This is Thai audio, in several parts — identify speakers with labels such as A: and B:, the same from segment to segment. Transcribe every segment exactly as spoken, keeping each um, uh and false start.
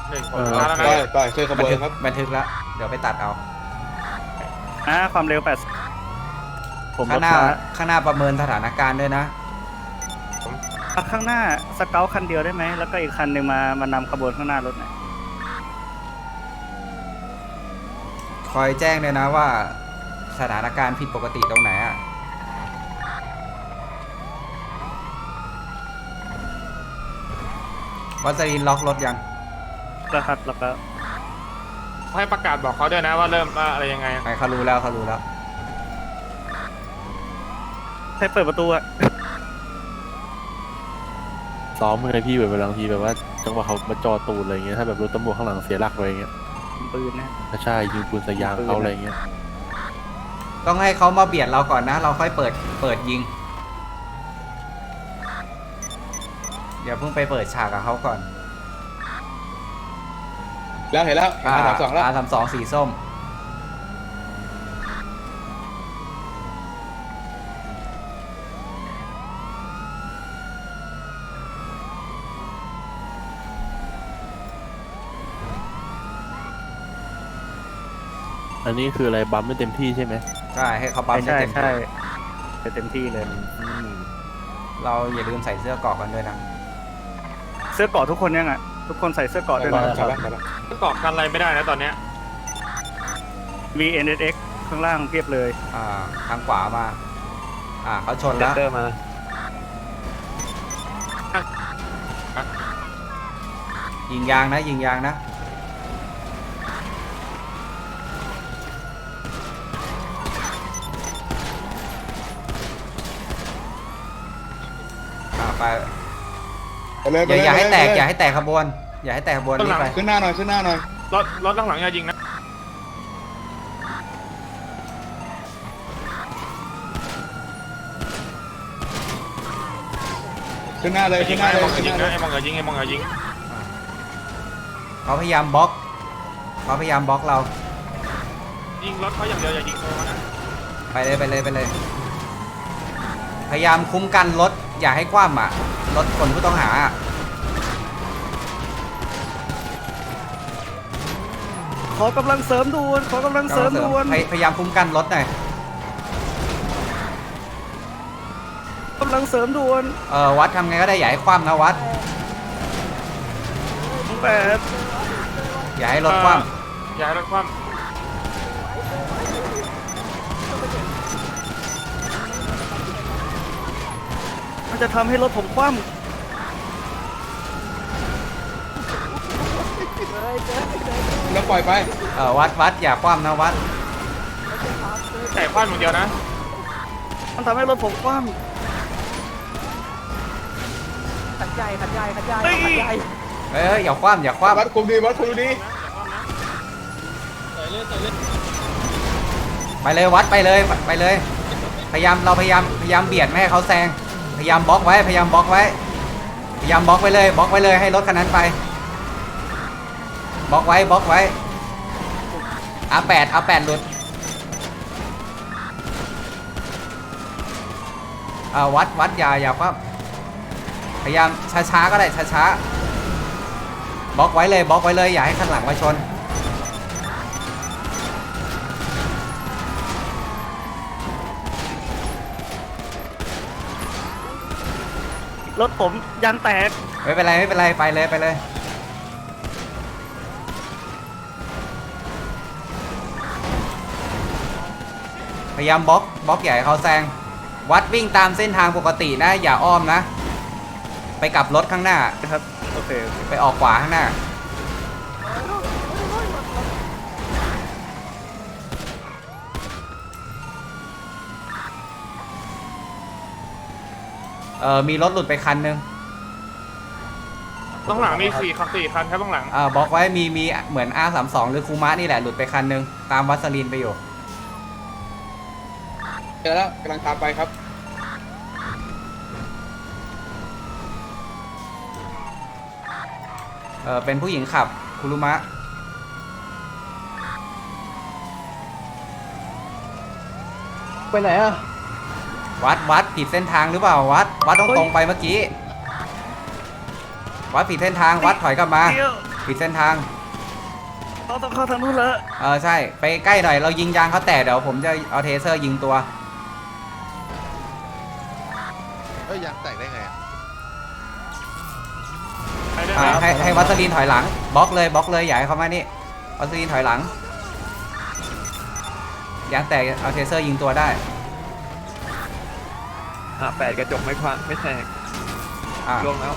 A: หนึ่งผมมาแล้วนะ
B: ไปไปเคยขบวนครับ
C: บันทึกแล้วเดี๋ยวไปตัดเอา
D: อ่าความเร็วแปดผม
C: ข้างหน้า
D: ช้
C: ข้างหน้าประเมินสถานการณ์ด้วยนะ
D: อ่ะข้างหน้าสเกลคันเดียวได้ไหมแล้วก็อีกคันหนึ่งมามานำขบวนข้างหน้ารถหน่อย
C: คอยแจ้งเลยนะว่าสถานการณ์ผิดปกติตรงไหนอะวัสลินล็อกรถยัง
D: แล้วครับแล้วก็
A: ให้ประกาศบอกเขาด้วยนะว่าเริ่มว่าอะไรยังไง
C: ใครเขารู้แล้วเขารู้แล้ว
D: ให้เปิดประตูอะ
E: ซ้อมไงพี่แบบบางทีแบบว่าจังหวะเขามาจอตูนอะไรเงี้ยถ้าแบบรถตำรวจข้างหลังเสียหลักอะไรเงี้ย
D: ปืนนะ
E: ถ้าใช่ยิงปืนใส่ยางเขาอะไรเงี้ย
C: ต้องให้เขามาเบียดเราก่อนนะ เราค่อยเปิดเปิดยิงอย่าเพิ่งไปเปิดฉากกับเขาก่อน
B: แล้วเห็นแล้วอาสามสองแล้ว
C: อาสามสองสีส้ม
E: อันนี้คืออะไรบัมไม่เต็มที่ใช่ไหม
C: ใช่ให้เขาปั๊มได้
D: ใช่
C: เต็ม
D: ใช่
C: ที่
D: จะเต็มที่เลย
E: อืม
C: เราอย่าลืมใส่เสื้อเกราะกันด้วยนะ
D: เสื้อเกราะทุกคนยังอ่ะทุกคนใส่เสื้อเกราะด้วย
B: ไป
D: นะ
B: แล้วไปแล้ว
A: เกาะกันอะไรไม่ได้นะตอนเนี้ย
D: วี เอ็น เอส เอ็กซ์ ข้างล่างเพียบเลย
C: อ่าทางขวามา อ่าเขาชนแล้ว
E: เตอร์มา
C: ยิงยางนะยิงยางนะอ่าไป
B: ไปเลย
C: อย่าอย่าให้แตก
B: ไปเล
C: อย่าให้แตกขบวน อย่าให้แตกขบวนรีบไป
B: ขึ้นหน้าหน่อยขึ้นหน้าหน่อย
A: รถรถหลังๆอย่ายิงนะ
B: ขึ้นหน้าเลย
A: ยิ
B: ขึ้
A: ง
B: นหน้า
A: นะ
B: เล
A: ไอ้
B: ย
A: มอง
B: ขึ้
A: อน ย่า
B: ห
A: ยิง
B: น้าเลย
A: นะไอ้มองอย่ายิงไอ้มองอย่ายิง
C: เขาพยายามบล็อกเขาพยายามบล็อกเรา
A: ยิงรถเขาอย่างเดียวอย่ายิงตัวนะ
C: ไปเลยไปเลยไปเลย พยายามคุ้มกันรถอย่าให้คว่ำอ่ะรถคนผู้ต้องหาอะ
D: ขอกำลังเสริมด่วนขอกำลังเสริมด่วน
C: พยพยายามคุ้มกันรถหน่อย
D: กำลังเสริมด่วน
C: เออวัดทำไงก็ได้อย่าให้คว่ำนะวัด
D: แปด
C: อย่าให้รถคว่
A: อย่าให้รถคว่
D: มันจะทำให้รถผมคว่
B: แล้วปล่อยไป
C: ำเออวัดวัดอย่าคว่ำนะวัด
A: ำแต่คว่ำอย่างเดียวนะ
D: ำมันทำให้รถผมคว่
F: ขันใหญ่ขันใหญ่ขันใหญ่
D: ำเฮ้ย
F: ขันใหญ่
C: เอ้ยอย่าคว่ำอย่าคว่
B: วัดคุมดีวัดคุมดี
C: ำไปเลยวัดไปเลยไปเลย พยายามเราพยายามพยายามเบียดไม่ให้เขาแซงพยายามบล็อกไว้พยายามบล็อกไว้พยายามบล็อกไว้เลยบล็อกไว้เลยให้รถคันนั้นไปบล็อกไว้บล็อกไว้อาแปดอาแปดหลุดอ่าวัดวัดอย่าอย่าคว่ำพยายามช้าๆก็ได้ช้าๆบล็อกไว้เลยบล็อกไว้เลยอย่าให้ข้างหลังมาชน
D: รถผมยางแตก
C: ไม่เป็นไรไม่เป็นไรไปเลยไปเลยพยายามบล็อกบล็อกใหญ่าให้เขาแซงวัดวิ่งตามเส้นทางปกตินะอย่าอ้อมนะไปกลับรถข้างหน้า
D: นะครับโอเคโอเค
C: ไปออกขวาข้างหน้าเออมีรถหลุดไปคันนึง
A: ต้องหลังมีสี่คันสี่คันครับต้องหลัง
C: อ่าบล็อกไว้มีมีเหมือน อาร์ สามสิบสอง หรือคูมะนี่แหละหลุดไปคันนึงตามวัสลีนไปอยู่
B: เจอแล้วกำลังตามไปครับ
C: เออเป็นผู้หญิงขับคุรุมะ
F: ไปไหนอ่ะ
C: วัดวัดผิดเส้นทางหรือเปล่าวัดวัดต้องตรงไปเมื่อกี้วัดผิดเส้นทางวัดถอยกลับมา
D: เดี๋ยว
C: ปิดเส้นทาง
D: เราต้องเข้าทางนู้นแล้ว
C: เออใช่ไปใกล้หน่อยเรายิงยางเขาแตกเดี๋ยวผมจะเอาเทเซอร์ยิงตัว
G: เอ้ยยางแตกได้ไงอะ
A: ไปได้ไห
C: อ่าม ให้ให้วัสลีนถอยหลังบล็อกเลยบล็อกเลยอย่าให้เขามานี่วัสลีนถอยหลังยางแตกเอาเทเซอร์ยิงตัวได้
H: อ่าแปดกระจกไม่พังไม่แตก
C: อ่า
H: ล่วงแล้ว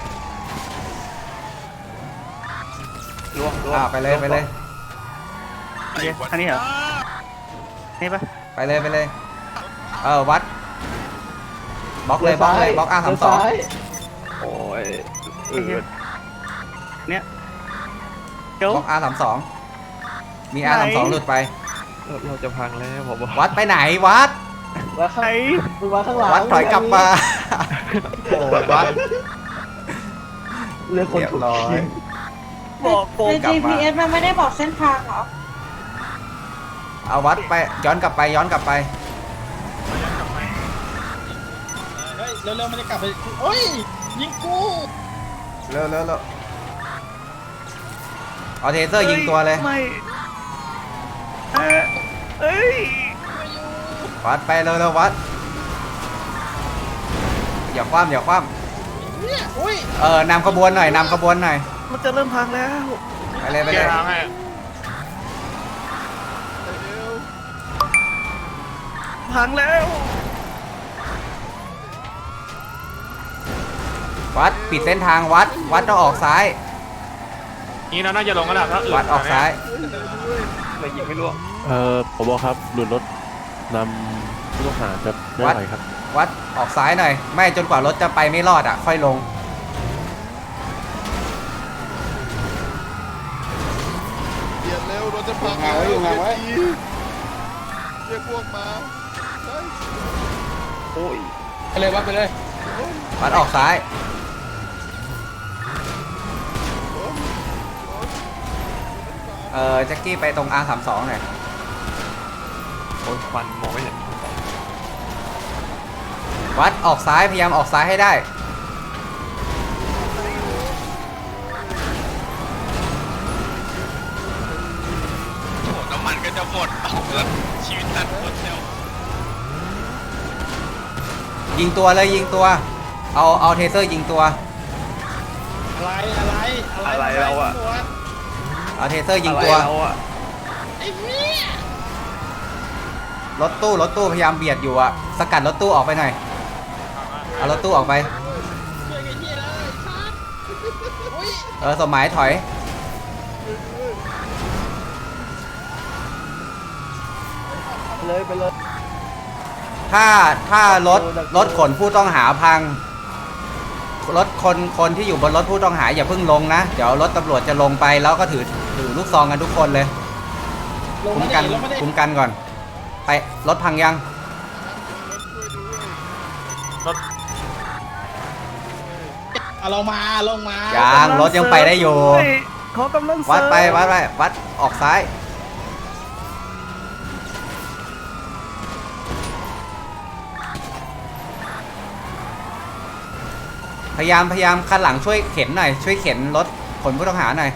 H: ล่วงล่วง
C: อ่าไปเลยไปเลย
D: โอเคอันนี้เหรอนี่ปะ
C: ไปเลยไปเลยเออวัดบล็อกเลยบล็อกเลยบล็อกอาร์สามสอง
H: โอ้ย
D: ไอ้เหี้ยเนี่ยเดี๋ยว
C: บล็อกอาร์สามสองมีอาร์สามสองหลุดไป
H: เราเราจะพังแล้วผมบอก
C: วัดไปไหนวัด
F: ว่าข้างมึงว่าข้างหลัง
C: วัดถอยกลับมาโอ้วัด
F: เรื่องคน
C: เรียบ
F: ถูก
C: ร้อย
F: ยิง
D: บอกโกง
I: ใน
C: กลับมา
I: จี พี เอส มันไม่ได้บอกเส้นทางเหรอ
C: เอาวัดไปย้อนกลับไปย้อนกลับไป
B: เฮ้ยเร็วๆมันจะกลับไปโอ้ยยิงกู
C: เร็วเร็วเร็วเอาเทเซอร์ยิงตัวเลย
D: ไม่เอ้ยเอ้ย
C: วัดไปเร็วเร็ววัดอย่าคว่ำอย่าคว่ำเออนำขบวนหน่อยนำขบวนหน่อย
D: มันจะเริ่มพังแล้ว
C: ไปเลยไป
A: เกี
C: เลย ย
A: ร์ทางให้
D: พังแล้ว
C: วัดปิดเส้นทางวัดวัดต้องออกซ้าย
A: นี่เราน่าจะลงกันแล้วถ้าอื่น
C: วัดออกซ้าย
H: เลยยิงไม่ล่วง
E: เอ่อผมบอกครับหลุดรถนำผู้ต้องหาจะไม่ไหวครับ
C: วัดออกซ้ายหน่อยไม่จนกว่ารถจะไปไม่รอดอ่ะค่อยลง
G: เปลี่ยนเร็วรถจะพัง
B: งานไว้อยู่งานไว้
G: เรียกพวกมาเฮ้ย
H: โอ้ย
B: ไปเลยวัดไปเลย
C: วัดออกซ้าย เออแจ็คกี้ไปตรง อาร์ สามสอง หน่อย
H: โอ้ยควันมองไม่เห็น
C: วัดออกซ้ายพยายามออกซ้ายให้ได้
G: น้ำมันก็จะหมดเอาละชีวิตตัดหมดแล้ว
C: ยิงตัวเลยยิงตัว เอาเอาเทเซอร์ยิงตัว
B: อะไรอะไร
H: อะไรเราอะ
C: เอาเทเซอร์ยิง
H: อะไร
C: ตัว
H: เราอะ
C: รถตู้รถตู้พยายามเบียดอยู่อะสกัดรถตู้ออกไปหน่อย เอารถตู้ออกไป เออสมหมายถอย
F: เลยไปเลย
C: ถ้าถ้ารถรถขนผู้ต้องหาพัง รถคนคนที่อยู่บนรถผู้ต้องหาอย่าเพิ่งลงนะ เดี๋ยวรถตำรวจจะลงไปแล้วก็ถือถือลูกซองกันทุกคนเลย คุ้มกันคุ้มกันก่อน ไปรถพังยัง
B: เอาลงมาลงมา
C: ยังรถยังไปได้อยู่
D: เฮ้เขากำลังเสริม
C: วัดไปวัดไปวัดออกซ้าย พยายามพยายามคันหลังช่วยเข็นหน่อยช่วยเข็นรถขนผู้ต้องหาหน่อย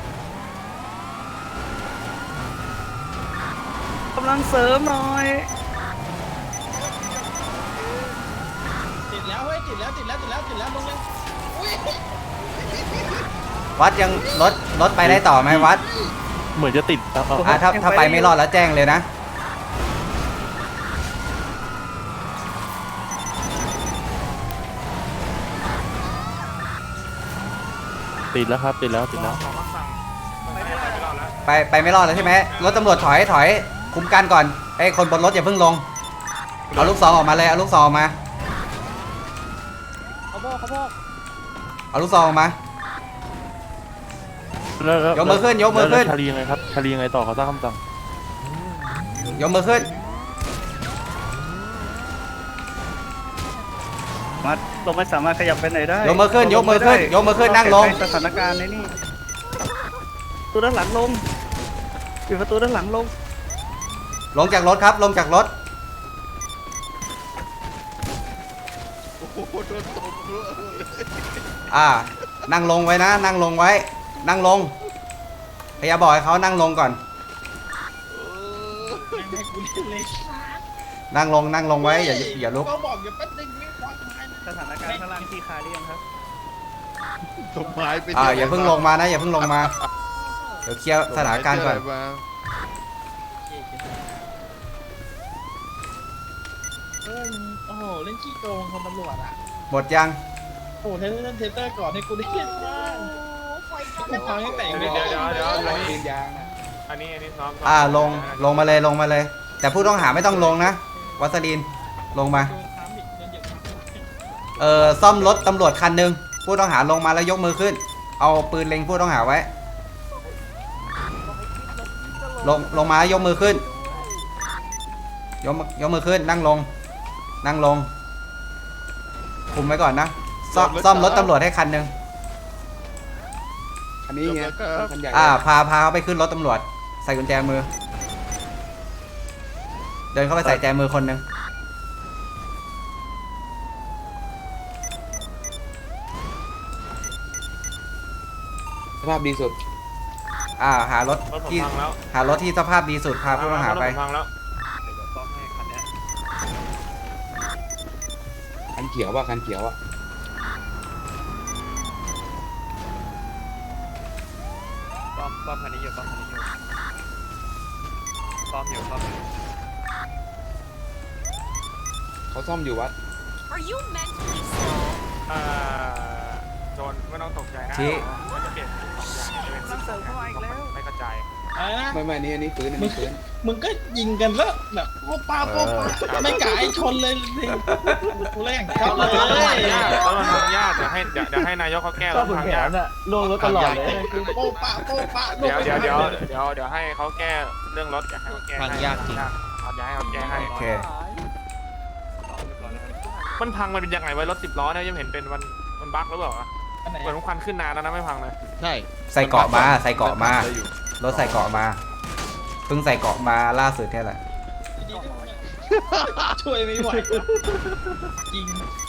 D: กำลังเสริมหน่อย
B: ติดแล้วเฮ้ยติดแล้วติดแล้วติดแล้วติดแล้วลงเลย
C: วัดยังรถรถไปได้ต่อไหมวัด
E: เหมือนจะติดเอาเอา
C: อ่ะถ้าถ้าไปไม่รอดแล้วแจ้งเลยนะ
E: ติดแล้วครับติดแล้วติดแล้ว
A: ขอคำสั่งไปไม่รอดแล้ว
C: ไปไปไม่รอดแล้วใช่ไหมรถตำรวจถอยถอยคุมกันก่อนไอ้ยคนบนรถอย่าเพิ่งลงเอาลูกซองออกมาเลยเอาลูกซองออกมา
F: เขาบอกเขาบอก
C: เอาลูกซองออกมา
E: แล้วแล้ว
C: ยกมือขึ้นยกมือขึ้น
E: แล้วชาลียังไงครับชาลียังไงต่อเขาตั้งคำสั่ง
C: ยกมือขึ้น
D: มาเราไม่สามารถขยับไปไหนได้
C: ยกมือขึ้นยกมือขึ้นยกมือขึ้นนั่งลง
D: สถานการณ์ในนี่ประตูด้านหลังลงปิดประตูด้านหลังลง
C: ลงจากรถครับลงจากรถ
G: โอ้โหโดนตบด้วย
C: อ่านั่งลงไว้นะ นั่งลงไว้นั่งลงพยายามบอกให้เขานั่งลงก่อน
B: ให้กูเล่นเลย
C: นั่งลงนั่งลงไว้อย่าอย่าลุก
B: ก็บอกอย่าแป๊บนึงไม่วางไม้นะ
D: สถานการณ์ข้างล่างที่คาเรียงครับ
H: ต้นไม้ไป
C: อ่าอย่าเพิ่งลงมานะอย่าเพิ่งลงมาเดี๋ยวเคลียร์สถานการณ์ก่อน
B: เออโอ้โหเล่นขี้โกงคนตำรวจอ่ะ
C: หมดยัง
B: โอ้โหเทเตอร์เทเตอร์ก่อนให้กูได้เล่นบ้างกูพังตั้งแต่
A: เดี๋ยวเดี๋ยวเดี๋ยวเดี๋ยวอันนี้
F: ยืนยางนะ
A: อันนี้อันนี้ซ้อม
C: อ่าลงลงมาเลยลงมาเลย แต่ผู้ต้องหาไม่ต้องลงนะวัสลีนลงมา
B: โดนท้าบิดโดนเหยียบเท้า
C: เออซ่อมรถตำรวจคันหนึ่งผู้ต้องหาลงมาแล้วยกมือขึ้น เอาปืนเล็งผู้ต้องหาไว้ ลงลงมาแล้วยกมือขึ้น ยกมือยกมือขึ้นนั่งลง นั่งลง คุมไว้ก่อนนะซ่อมซ่อมรถตำรวจให้คันหนึ่ง
F: อันนี้ไงคันใหญ่
C: อ่าพาพาเขาไปขึ้นรถตำรวจ ใส่กุญแจมือ เดินเข้าไปใส่แจมือคนหนึ่ง
F: สภาพดีสุด
C: อ่าหารถ
A: รถผม
C: ที่
A: พังแล้ว
C: หารถที่สภาพดีสุดพาผู้ต้องหาไป
A: รถผมพังแล้ว
H: เดี๋ยวซ่อมให้คันเนี้ย
F: คันเขียวว่ะคันเขียวอ่ะ
H: ซ่อมซ่อมคันนี้อยู่ซ่อมคันนี้อยู่ซ่อมอยู่ซ่อมอยู่
F: เขาซ่อมอยู่วัด
I: Are you mentally slow
A: อ่าโจนไม่ต้องตกใจนะ
C: ชี้
A: มันจะเปลี่ยนเป็นสองอย่างจะเป็น
D: มันเสริมเข้ามาอีกแล้ว
A: ไม่กระจาย
B: อะไรนะ
F: ไม่ไม่อันนี้อันนี้ฟื้นอันนี้ฟื้น
B: มึงก็ยิงกันแล้วแบบโป๊ะป้าโป๊ะป้าไม่กะให้ชนเลยสิกูแรงครับเล
A: แล้วมันทาง
B: ย
A: ยากแล้วมันทางยากเดี๋ยวให้เดี๋ยวเดี๋ยวให้นายกเขาแก้
F: ช
A: แล้
F: อบ
A: ว
F: ขุน
A: ทาง
F: แผ
A: ยาก
F: นอ่ะลงรถตลอดเลย
B: โป๊ะป้าโป๊ะป้า
A: เดี๋ยวเดี๋ยวเดี๋ยวเดี๋ยวเดี๋ยวให้เขาแก้เรื่องรถอยากให้เขาแก้ให้ทางยากจริงเอาอยากให้เขาแก้ให้
C: โอเค
H: ซ่อมเรียบร้อยแล้ว
A: มันพังมันเป็นยังไงไว้รถสิบล้อเนี่ยยังเห็นเป็นมันมันบั๊กหรือเปล่าอะ
B: อันไหน
A: เหมือนมันควันขึ้นนานแล้วนะไม่พังเลย
H: ใช่
C: ใส่เกราะมาใส่เกราะมา รถใส่เกราะมา เพิ่งใส่เกราะมาล่าสุดแค่แหละ
B: ช่วยไม่ไหวจริง